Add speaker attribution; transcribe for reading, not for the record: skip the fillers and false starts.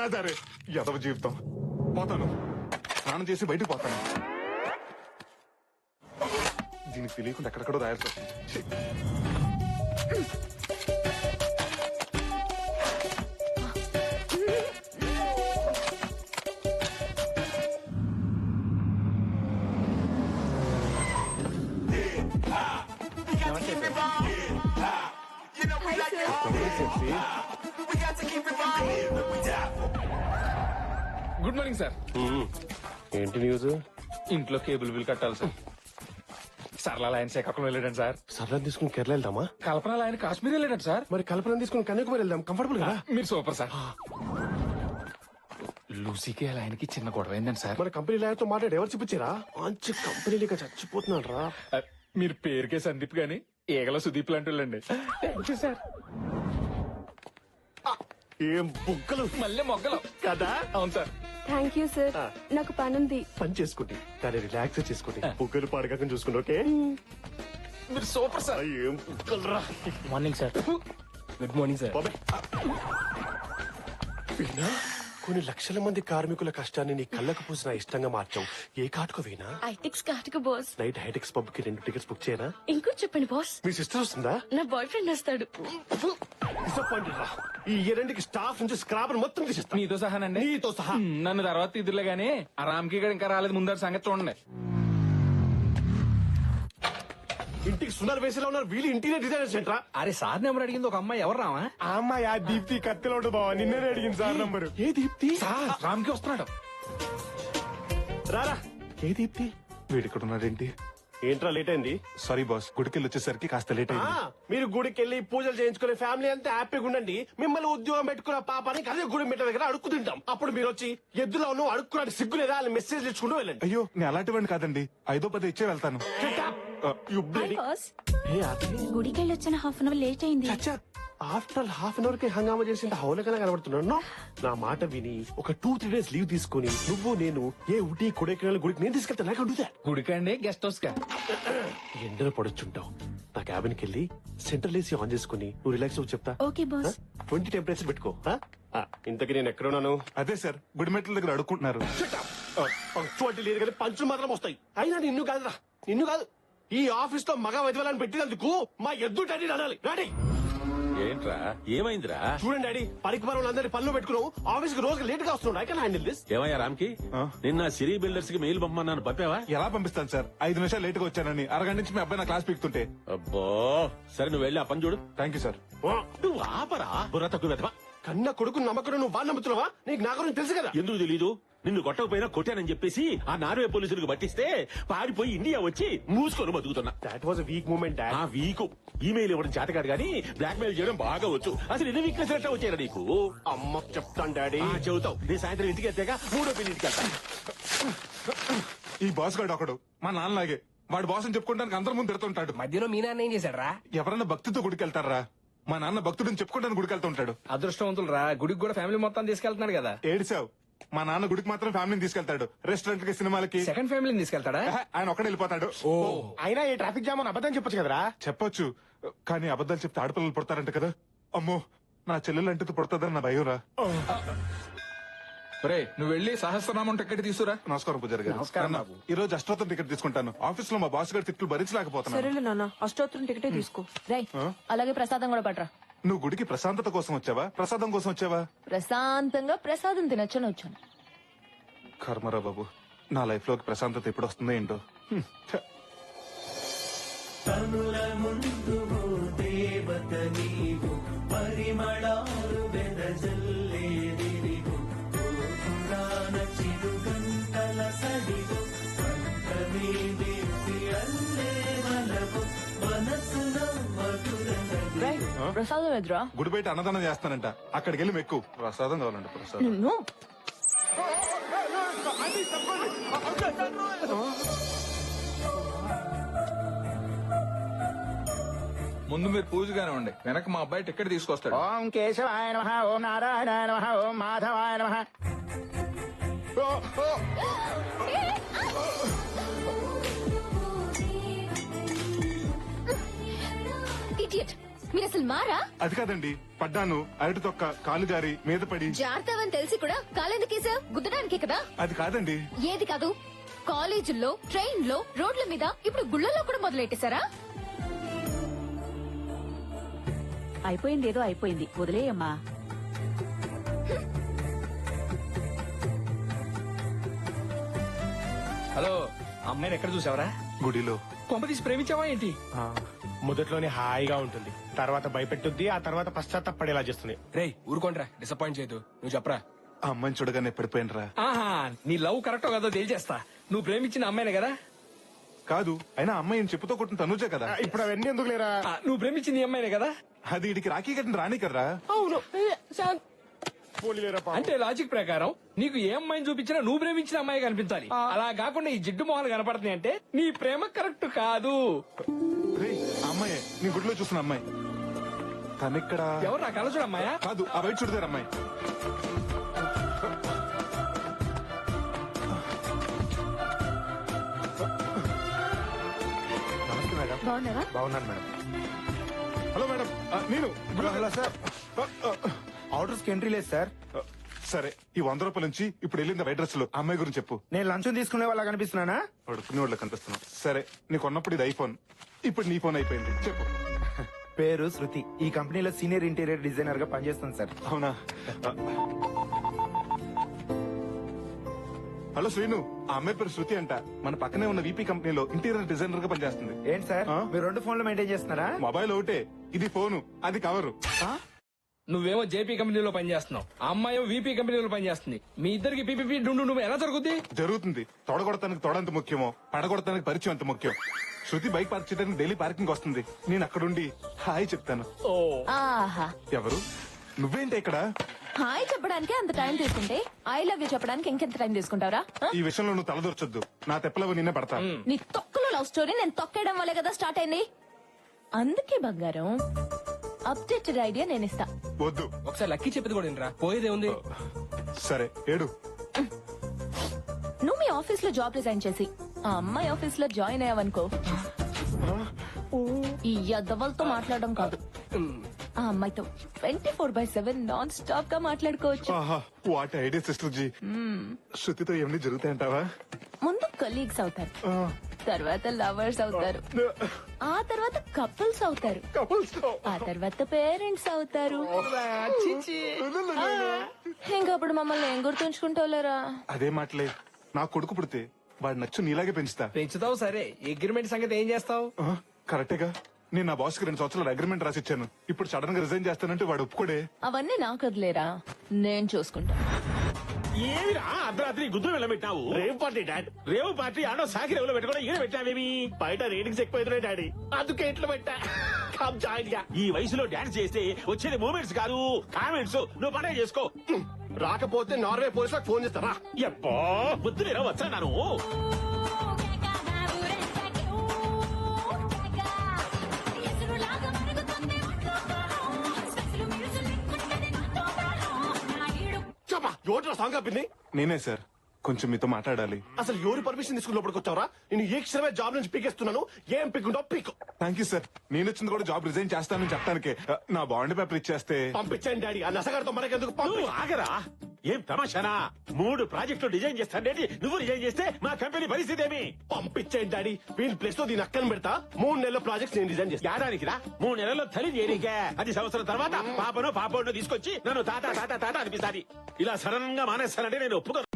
Speaker 1: సరే ఎదవ జీవితం. పోతాను, స్నానం చేసి బయటకు పోతాను. దీనికి తెలియకుండా ఎక్కడెక్కడో రాయాల్సి వస్తుంది.
Speaker 2: Good morning sir.
Speaker 3: ఏంటి న్యూస్?
Speaker 2: ఇంట్లో కేబుల్ బిల్ కట్టాలి సార్. సరళ ఆయన శ్రీకాకుళం వెళ్ళాడు సార్.
Speaker 3: సరళ తీసుకుని కేరళ వెళ్దామా?
Speaker 2: కల్పన ఆయన కాశ్మీర్ వెళ్ళాడు సార్.
Speaker 3: మరి కల్పన తీసుకుని కన్యాకుమారి వెళ్దాం, కంఫర్టబుల్ కదా?
Speaker 2: మీరు సూపర్ సార్. లూసీకి అలా ఆయనకి చిన్న గొడవ అయిందండి సార్.
Speaker 3: మన కంపెనీ లాయర్తో మాట్లాడి ఎవరు చూపించారా? మంచి కంపెనీ లేక చచ్చిపోతున్నాడు రా.
Speaker 2: మీరు పేరుకే సందీప్ గాని ఏగల సుదీప్ లాంటి వాళ్ళండి. Thank you sir.
Speaker 3: ఏం బుగ్గలు
Speaker 2: మళ్ళీ మొగ్గలు
Speaker 3: కదా?
Speaker 2: అవును సార్.
Speaker 4: Thank you sir. నాకు పనుంది.
Speaker 3: పని చేసుకోండి కానీ రిలాక్స్ చేసుకోండి. బుగ్గలు పాడకాకని చూసుకోండి. ఓకే,
Speaker 2: మీరు సూపర్ సార్.
Speaker 3: ఏం బుగ్గలు రా.
Speaker 5: Morning sir. Good morning sir.
Speaker 3: Veena, కొన్ని లక్షల మంది కార్మికుల కష్టాన్ని నీ కళ్ళకు పూసిన ఇష్టంగా మార్చావు. ఏ కాటుకు వీణా?
Speaker 4: ఐటెక్స్ కాటుకు బాస్.
Speaker 3: నైట్ హైటెక్స్ పబ్ కి 2 టికెట్స్ బుక్ చేయనా?
Speaker 4: ఇంకో చెప్పండి బాస్.
Speaker 3: మీ సిస్టర్ వస్తుందా?
Speaker 4: నా బాయ్ ఫ్రెండ్ వస్తాడు.
Speaker 3: డిసప్పాయింటెడ్ రా. ఈ రెండుకి స్టాఫ్ నుంచి స్క్రాబర్ మొత్తం తీసేస్తా.
Speaker 2: మీతో సహానండి.
Speaker 3: నీతో సహా.
Speaker 2: నన్ను తర్వాత ఇదిలే గానీ ఆ రామ్కి గడ ఇంకా రాలేదు. ముందర సంగతి చూడండి.
Speaker 3: ఇంటికి సునాలు వేసేలా ఉన్నారు వీళ్ళు. ఇంటీరియర్ డిజైనర్స్ ఏంట్రా?
Speaker 5: అరే సార్ నెంబర్ అడిగింది ఒక అమ్మాయి. ఎవరు రావా?
Speaker 1: ఆ అమ్మాయి ఆ దీప్తి కత్తిలో ఉంటుంది బావ. నిన్నే అడిగింది సార్ నంబరు.
Speaker 3: ఏ దీప్తి?
Speaker 2: సార్ రామ్కి వస్తున్నాడు.
Speaker 3: రారా. ఏ దీప్తి?
Speaker 1: వీడు ఇక్కడ ఉన్నాడేంటి?
Speaker 3: ఏంట్రా లేట్ అయింది?
Speaker 1: సారీ బాస్, గుడికెళ్ళి వచ్చేసరికి కాస్త లేట్ అయింది.
Speaker 3: మీరు గుడికి వెళ్ళి పూజలు చేయించుకునే ఫ్యామిలీ అంతా హ్యాపీగా ఉండండి. మిమ్మల్ని ఉద్యోగం పెట్టుకున్న పాపానికి అదే గుడి మెట్ల దగ్గర అడుక్కు తింటాం. అప్పుడు మీరు వచ్చి ఎద్దులో నువ్వు అడుక్కున్నాడు సిగ్గు లేదా అని మెసేజ్ ఇచ్చుకుంటూ వెళ్ళండి.
Speaker 1: అయ్యో, నేను అలాంటివాడిని కాదండి. 5-10 ఇచ్చే వెళ్తాను.
Speaker 4: బాస్
Speaker 3: ఏ ఆపి?
Speaker 4: గుడికి వచ్చిన హాఫ్ అన్ అవర్ లేట్ అయింది.
Speaker 3: ఆఫ్టర్ హాఫ్ అన్ అవర్ కి హంగామా చేసింది హౌలకనే కనబడుతున్నాను. నా మాట విని ఒక 2-3 డేస్ లీవ్ తీసుకుని నువ్వు నేను ఏ ఊటీ కొడైకెనాల్ గుడికి నేను తీసుకెళ్తా. నాకు అడుగుతా.
Speaker 2: గుడికండి గెస్ట్ హౌస్ కా?
Speaker 3: ఎండలో పడొచ్చుంటావు. నా క్యాబిన్ కి వెళ్ళి సెంట్రల్ ఏసీ ఆన్ చేసుకుని నువ్వు రిలాక్స్ అవ్వు చెప్తా.
Speaker 4: Okay boss.
Speaker 3: 20 టెంపరేచర్ పెట్టుకో. ఇంతకీ నేను ఎక్కడున్నాను?
Speaker 1: అదే సార్, గుడిమెట్ల దగ్గర అడుక్కుంటున్నారు.
Speaker 3: పంక్చువాలిటీ లేదు కానీ పంచులు మాత్రం వస్తాయి. అయినా నిన్ను కాదురా, నిన్ను కాదు. ఈ ఆఫీస్ లో మగ వైద్యులను పెట్టినందుకు మా ఎద్దు డాడీ అనాలి. డాడీ
Speaker 6: ఏంట్రా ఏమైందిరా?
Speaker 3: చూడండి డాడీ, పనికి మనం అందరి పనిలో పెట్టుకున్నావు. ఆఫీస్ కి రోజు లేట్ గా వస్తున్నాడు. I can handle this.
Speaker 6: ఏమయ్యా రామ్కి, నిన్న సిరీ బిల్డర్స్ కి మెయిల్ పంపమన్నాను, పంపావా?
Speaker 1: ఎలా పంపిస్తాను సార్? 5 నిమిషాలు లేట్ గా వచ్చానని అరగంట నుంచి మీ అబ్బాయి నా క్లాస్ పీకుతుంటే.
Speaker 6: అబ్బో, సరే నువ్వు వెళ్ళి ఆ పని చూడు.
Speaker 1: Thank you sir.
Speaker 6: నువ్వు ఆపరా బుర్ర తక్కువ వెధవా.
Speaker 3: కన్న కొడుకు నమ్మకం నువ్వు వాళ్ళు నమ్ముతున్నావా? నీకు నా గురించి తెలుసు కదా.
Speaker 6: ఎందుకు తెలీదు? నిన్ను కొట్టకపోయినా కొట్టానని చెప్పేసి ఆ నార్వే పోలీసులకు పట్టిస్తే పారిపోయి ఇండియా వచ్చి మూసుకొని బతుకుతున్నా.
Speaker 3: That was weak moment.
Speaker 6: ఆ వీకు ఈమెయిల్ ఇవ్వడం చేతకాడు గానీ బ్లాక్ మెయిల్ చేయడం బాగా వచ్చు. అసలు ఎన్ని వీక్నెస్ ఎట్లా వచ్చారా నీకు?
Speaker 3: అమ్మ చెప్తాను డాడీ.
Speaker 6: చెబుతావు. నేను సాయంత్రం ఇంటికి వెళ్తాక 3వ ఇంటికి వెళ్తా.
Speaker 1: ఈ బాస్ గాడు ఒకడు మా నాన్నలాగే. వాడు బాస్ అని చెప్పుకోవడానికి అందరి ముందు తిడుతుంటాడు.
Speaker 5: మధ్యలో మీ నాన్న ఏం చేశాడు రా?
Speaker 1: ఎవరన్నా భక్తితో గుడికెళ్తారా? మా నాన్న భక్తుడిని చెప్పుకుంటాను గుడికెళ్తుంటాడు.
Speaker 5: అదృష్టవంతులు రా, గుడికి కూడా ఫ్యామిలీ మొత్తం తీసుకెళ్తున్నాడు కదా.
Speaker 1: ఏడిసావు. మా నాన్న గుడికి మాత్రం ఫ్యామిలీని తీసుకెళ్తాడు. రెస్టారెంట్ కి, సినిమాలకి
Speaker 5: సెకండ్ ఫ్యామిలీని తీసుకెళ్తాడా?
Speaker 1: ఆయన ఒక్కడే వెళ్ళిపోతాడు.
Speaker 3: అయినా ఈ ట్రాఫిక్ జామ్ అని అబద్ధం చెప్పొచ్చు కదరా.
Speaker 1: చెప్పొచ్చు కానీ అబద్ధాలు చెప్తే ఆడపిల్లలు పుడతారంట కదా. అమ్మో, నా చెల్లెలు అంటే పుడతాదని నా భయం రా.
Speaker 2: రే నువ్వు వెళ్ళి సహస్రనామం టికెట్ తీసుకురా.
Speaker 1: నమస్కారం పూజారి గారు.
Speaker 5: నమస్కారం
Speaker 1: అన్న,
Speaker 5: బాబు.
Speaker 1: ఈ రోజు అష్టోత్తరం టికెట్ తీసుకుంటాను. ఆఫీస్ లో మా బాస్ గారి తిట్లు భరించలేకపోతున్నాను.
Speaker 4: సరేలే నాన్న, అష్టోత్తరం టికెటే తీసుకో. రై అలాగే ప్రసాదం కూడా పట్రా.
Speaker 1: నువ్వు గుడికి ప్రశాంతత కోసం వచ్చావా, ప్రసాదం కోసం వచ్చావా?
Speaker 4: ప్రశాంతంగా ప్రసాదం తినొచ్చని వచ్చాను.
Speaker 1: కర్మరా బాబు, నా లైఫ్ లోకి ప్రశాంతత ఎప్పుడు వస్తుందో ఏంటో. ఛ.
Speaker 4: ప్రసాదం ఎదురా.
Speaker 1: గుడి బయట అన్నదానం చేస్తానంట, అక్కడికి వెళ్ళి మెక్కు. ప్రసాదం కావాలంట. ప్రసాదం.
Speaker 4: నిన్ను
Speaker 2: ముందు మీరు పూజ కానివ్వండి, వెనక మా అబ్బాయి టికెట్ తీసుకొస్తాడు.
Speaker 5: ఓం కేశవాయ నమః, ఓం నారాయణాయ నమః, ఓం మాధవాయ నమః.
Speaker 4: ఇడియట్.
Speaker 7: మీరు అసలు మారా?
Speaker 1: అది కాదండి, పడ్డాను, అరటి తొక్క కాలు జారి మీద పడి.
Speaker 7: జాగ్రత్తవని తెలిసి కూడా కాలెందుకేసా? గుద్దడానికే కదా.
Speaker 1: అది కాదండి.
Speaker 7: ఏది కాదు? కాలేజీల్లో, ట్రైన్ లో, రోడ్ల మీద, ఇప్పుడు గుళ్ళలో కూడా మొదలెట్టేశారా?
Speaker 4: అయిపోయింది ఏదో అయిపోయింది, వదిలేయమ్మా.
Speaker 2: హలో, అమ్మాయిని ఎక్కడ చూసావరా?
Speaker 1: గుడిలో.
Speaker 2: కొంప తీసి ప్రేమించావా ఏంటి?
Speaker 3: మొదట్లోనే హాయిగా ఉంటుంది, తర్వాత భయపెట్టుద్ది, ఆ తర్వాత పశ్చాత్తపడేలా చేస్తుంది.
Speaker 2: రేయ్ ఊరుకోండ్రా, డిసప్పాయింట్ చేయదు. నువ్వు చెప్పరా.
Speaker 1: ఆ అమ్మాయిని చూడగానే పడిపోయినరా.
Speaker 2: ఆహా, నీ లవ్ కరెక్టో కాదో తేల్చేస్తా. నువ్వు ప్రేమించిన అమ్మాయినే కదా?
Speaker 1: కాదు, అయినా అమ్మాయి చెప్పుతో కొట్టిన తనుజే కదా.
Speaker 3: ఇప్పుడు అవన్నీ ఎందుకు లేరా?
Speaker 2: నువ్వు ప్రేమించింది ఈ అమ్మాయినే కదా?
Speaker 1: అది ఇడికి రాఖీ కట్టిన రాణి కదరా.
Speaker 2: అవును.
Speaker 3: పోలీలేరా పాపం.
Speaker 2: అంటే లాజిక్ ప్రకారం నీకు ఏ అమ్మాయిని చూపించినా నువ్వు ప్రేమించిన అమ్మాయి కనిపించాలి. అలా కాకుండా ఈ జిడ్డు మొహాలు కనపడుతున్నాయి అంటే నీ ప్రేమ కరెక్ట్ కాదు.
Speaker 1: రేయ్, ఆ అమ్మాయి నీ గుడిలో చూసిన అమ్మాయి. తనిక్కడ.
Speaker 2: ఎవరు నా కళ్ళ చూడు అమ్మాయా?
Speaker 1: కాదు, ఆ బయట చూడదారు అమ్మాయి.
Speaker 3: నమస్తే మేడం.
Speaker 7: బాగున్నారా?
Speaker 3: బాగున్నాను మేడం.
Speaker 1: హలో మేడం, నేను.
Speaker 5: హలో సార్, ఆర్డర్స్ కి ఎంట్రీ లేదు సార్.
Speaker 1: సరే, ఈ 100 రూపాయల నుంచి ఇప్పుడు వెళ్ళింది వైట్ డ్రెస్ లో అమ్మాయి గురించి చెప్పు.
Speaker 5: నేను లంచం తీసుకునే వాళ్ళ కనిపిస్తున్నానా?
Speaker 1: పడుకునే వాళ్ళకి కనిపిస్తున్నావు. సరే, నీకు ఉన్నప్పుడు ఇది ఐఫోన్, ఇప్పుడు నీ ఫోన్ అయిపోయింది. చెప్పు.
Speaker 5: పేరు శృతి, ఈ కంపెనీలో సీనియర్ ఇంటీరియర్ డిజైనర్ గా పనిచేస్తుంది సార్.
Speaker 1: అవునా? హలో శ్రీను, ఆ అమ్మాయి పేరు శృతి అంట. మన పక్కనే ఉన్న వీపీ కంపెనీలో ఇంటీరియర్ డిజైనర్ గా పనిచేస్తుంది.
Speaker 5: ఏంటి సార్,
Speaker 1: ఆ?
Speaker 5: మీరు 2 ఫోన్లు మెయింటైన్ చేస్తున్నారా?
Speaker 1: మొబైల్ ఒకటే, ఇది ఫోను, అది కవరు.
Speaker 2: నువ్వేమో జేపీ కంపెనీలో పనిచేస్తున్నావు, ఆ అమ్మాయి వీపీ కంపెనీలో పనిచేస్తుంది. మీ ఇద్దరికి పీపీపీ డుండు నువ్వు ఎలా జరుగుద్ది?
Speaker 1: జరుగుతుంది. తొడగొడతానికి తొడంత ముఖ్యమో, పడగొడతానికి పరిచయం అంత ముఖ్యం. శృతి బైక్ పార్క్ చేయడానికి డైలీ పార్కింగ్ వస్తుంది. నేను అక్కడుండి హాయ్ చెప్తాను.
Speaker 4: ఆహా,
Speaker 1: ఎవరు? నువ్వేంటి ఇక్కడ?
Speaker 4: హాయ్ చెప్పడానికి అంత టైం తీసుకుంటే ఐ లవ్ యూ చెప్పడానికి ఇంకెంత టైం తీసుకుంటావరా?
Speaker 1: ఈ విషయంలో నువ్వు తలదూర్చొద్దు. నా తెప్పలవి నిన్నే పడతా.
Speaker 4: నీ తొక్కలో లవ్ స్టోరీ నేను తొక్కేయడం వల్లే కదా స్టార్ట్ అయింది. అందుకే బంగారం, అప్డేటెడ్ ఐడియా నేను ఇస్తా.
Speaker 1: వద్దు.
Speaker 2: ఒకసారి లక్కీ చెప్పింది కూడా వినరా, పోయేదే ఉంది.
Speaker 1: సరే, ఏడు.
Speaker 4: నువ్వు మీ ఆఫీస్ లో జాబ్ రిజైన్ చేసి ఆ అమ్మాయి ఆఫీస్ లో జాయిన్ అయ్యావనుకో, ఈ యదవలతో మాట్లాడడం కాదు, ఆ అమ్మాయితో 24/7 నాన్ స్టాప్ గా మాట్లాడుకోవచ్చు.
Speaker 1: ఆహా, వాట్ ఐడియా సిస్టర్ జీ. శృతితో ఏమని జరుగుతాయంటావా?
Speaker 4: ముందు కలీగ్స్ అవుతారు, తర్వాత లవర్స్ అవుతారు, ఆ తర్వాత కపుల్స్ అవుతారు, ఆ తర్వాత పేరెంట్స్ అవుతారు. ఇంకప్పుడు మమ్మల్ని ఏం గుర్తుంచుకుంటావులేరా?
Speaker 1: అదే మాటలే. నా కొడుకు పుడితే వాడు నచ్చు నీలాగే పెంచుతా.
Speaker 2: పెంచుతావు సరే, అగ్రిమెంట్ సంగతి ఏం చేస్తావు?
Speaker 1: కరెక్టేగా. నేను నా బాస్ కి 2 సంవత్సరాలు అగ్రిమెంట్ రాసిచ్చాను. ఇప్పుడు సడన్ గా రిజైన్ చేస్తానంటే వాడు ఒప్పుకోడే.
Speaker 4: అవన్నీ నాకు వదిలేరా, నేను చూసుకుంటా.
Speaker 6: ఏమిరా అర్ధరాత్రి గుద్దు వెళ్ళబెట్టావు?
Speaker 3: Rave party dad.
Speaker 6: రేవు పార్టీ ఆడో సాకి రేవులో పెట్టుకోవడం ఈడ పెట్టావేమి?
Speaker 3: బయట రేటింగ్స్ ఎక్కువైతున్నాయి డాడీ, అందుకే ఇట్లా పెట్టా. కమ్ జాయిన్ గా.
Speaker 6: ఈ వయసులో డాన్స్ చేస్తే వచ్చేది మూమెంట్స్ కాదు కామెంట్స్. నువ్వు పనే చేసుకో.
Speaker 3: రాకపోతే నార్వే పోలీసులకు ఫోన్ చేస్తారా?
Speaker 6: ఎప్పో బుద్ధులేరా వచ్చా నాను.
Speaker 3: చెప్పా, ఎవరు సాంగ్ ఆపింది?
Speaker 1: నేనే సార్, కొంచెం మీతో మాట్లాడాలి.
Speaker 3: అసలు ఎవరు పర్మిషన్ తీసుకుని లోపలికి వచ్చావరా? నేను ఏ క్షణమే జాబ్ నుంచి పీకేస్తున్నాను. ఏం పీకుంటావు పీకు.
Speaker 1: Thank you sir. నేను వచ్చింది కూడా జాబ్ రిజైన్ చేస్తానని చెప్పడానికే. నా బాండ్ పేపర్ ఇచ్చేస్తే.
Speaker 3: పంపించండి డాడీ, ఆ నసగారితో మనకెందుకు?
Speaker 6: నువ్వు ఆగరా. ఏం తమాషానా? 3 ప్రాజెక్టులు డిజైన్ చేస్తానేటి నువ్వు డిజైన్ చేస్తే మా కంపెనీ పరిస్థితి ఏమి?
Speaker 3: పంపించండి డాడీ, వీళ్ళ ప్లేస్ లో దీని అక్కని పెడతా. 3 నెలల ప్రాజెక్ట్స్ నేను డిజైన్ చేస్తా.
Speaker 6: ఏడానికి రా. 3 నెలల్లో తల్లి చేరికే. 10 సంవత్సరం తర్వాత పాపను తీసుకొచ్చి నన్ను తాత తాత తాత అనిపిస్తాది. ఇలా సడన్ గా మానేస్తానంటే నేను ఒప్పుకో.